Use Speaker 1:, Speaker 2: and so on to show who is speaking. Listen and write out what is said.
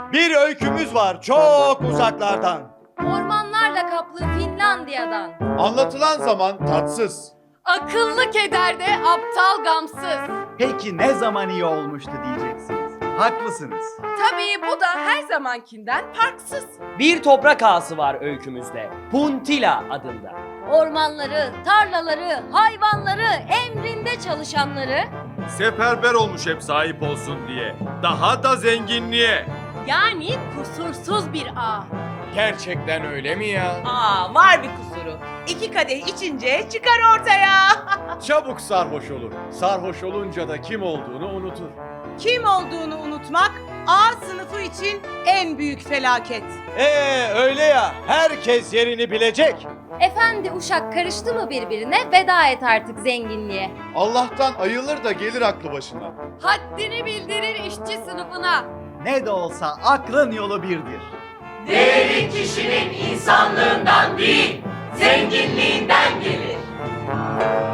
Speaker 1: Bir öykümüz var çok uzaklardan.
Speaker 2: Ormanlarla kaplı Finlandiya'dan.
Speaker 3: Anlatılan zaman tatsız.
Speaker 2: Akıllı kederde, aptal gamsız.
Speaker 4: Peki ne zaman iyi olmuştu diyeceksiniz. Haklısınız.
Speaker 2: Tabii bu da her zamankinden farksız.
Speaker 5: Bir toprak ağası var öykümüzde. Puntila adında.
Speaker 2: Ormanları, tarlaları, hayvanları, emrinde çalışanları.
Speaker 6: Seferber olmuş hep sahip olsun diye. Daha da zenginliğe.
Speaker 2: Yani kusursuz bir ağ.
Speaker 6: Gerçekten öyle mi ya?
Speaker 7: Aa, var bir kusuru. 2 kadeh içince çıkar ortaya.
Speaker 3: Çabuk sarhoş olur. Sarhoş olunca da kim olduğunu unutur.
Speaker 7: Kim olduğunu unutmak A sınıfı için en büyük felaket.
Speaker 1: Öyle ya, herkes yerini bilecek.
Speaker 2: Efendi uşak karıştı mı birbirine veda et artık zenginliğe.
Speaker 3: Allah'tan ayılır da gelir aklı başına.
Speaker 2: Haddini bildirir işçi sınıfına.
Speaker 4: Ne de olsa aklın yolu birdir.
Speaker 8: Değeri kişinin insanlığından değil, zenginliğinden gelir.